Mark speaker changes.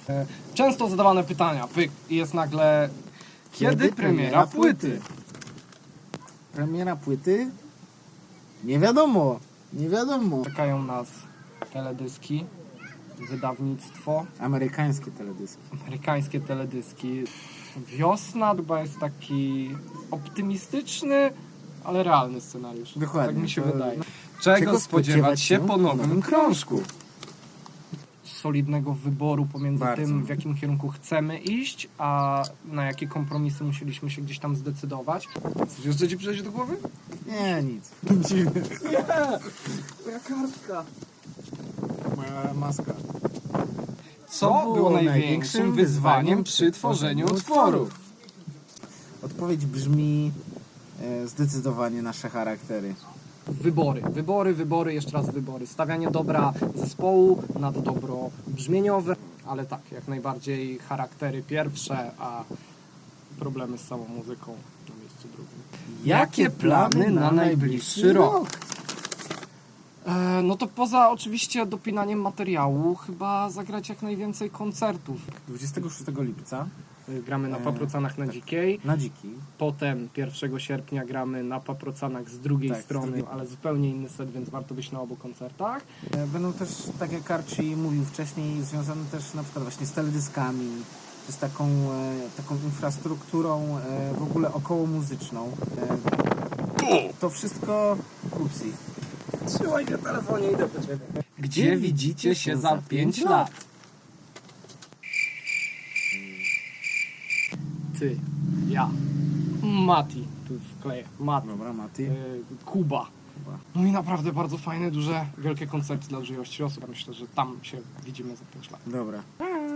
Speaker 1: Często zadawane pytania, pyk, i jest nagle... Kiedy premiera płyty?
Speaker 2: Premiera płyty? Nie wiadomo. Nie wiadomo.
Speaker 1: Czekają nas teledyski, wydawnictwo,
Speaker 2: Amerykańskie teledyski.
Speaker 1: amerykańskie teledyski. Wiosna chyba jest taki optymistyczny, ale realny scenariusz.
Speaker 2: Dokładnie,
Speaker 1: Tak mi się
Speaker 2: to-
Speaker 1: wydaje. Czego spodziewać się po nowym krążku? Solidnego wyboru pomiędzy
Speaker 2: Bardzo.
Speaker 1: tym, w jakim kierunku chcemy iść, a na jakie kompromisy musieliśmy się gdzieś tam zdecydować. Coś jeszcze ci przejdzie do głowy?
Speaker 2: Nie, nic.
Speaker 1: Moja kartka.
Speaker 2: Moja maska.
Speaker 1: Co było największym wyzwaniem przy tworzeniu utworu?
Speaker 2: Odpowiedź brzmi zdecydowanie nasze charaktery.
Speaker 1: Wybory, jeszcze raz wybory. Stawianie dobra zespołu nad dobro brzmieniowe, ale tak, jak najbardziej charaktery pierwsze, a problemy z samą muzyką na miejscu drugim. Jakie plany na najbliższy rok? No to poza oczywiście dopinaniem materiału, chyba zagrać jak najwięcej koncertów.
Speaker 2: 26 lipca
Speaker 1: Gramy na Paprocanach na Dzikiej,
Speaker 2: na Dziki.
Speaker 1: potem 1 sierpnia gramy na Paprocanach z drugiej
Speaker 2: Tak, z
Speaker 1: strony,
Speaker 2: drugiej.
Speaker 1: ale zupełnie inny set, więc warto być na obu koncertach.
Speaker 2: Będą też, tak jak Archie mówił wcześniej, związane też na przykład właśnie z teledyskami, czy z taką infrastrukturą w ogóle około muzyczną. To wszystko upsi.
Speaker 1: Trzymaj się telefonie, idę po ciebie. Gdzie widzicie się za 5 lat? Ty, ja, Mati, tu wkleję, Mati,
Speaker 2: Dobra, Mati.
Speaker 1: Kuba. No i naprawdę bardzo fajne, duże, wielkie koncerty dla dużej ilości osób. Myślę, że tam się widzimy za 5 lat.
Speaker 2: Dobra.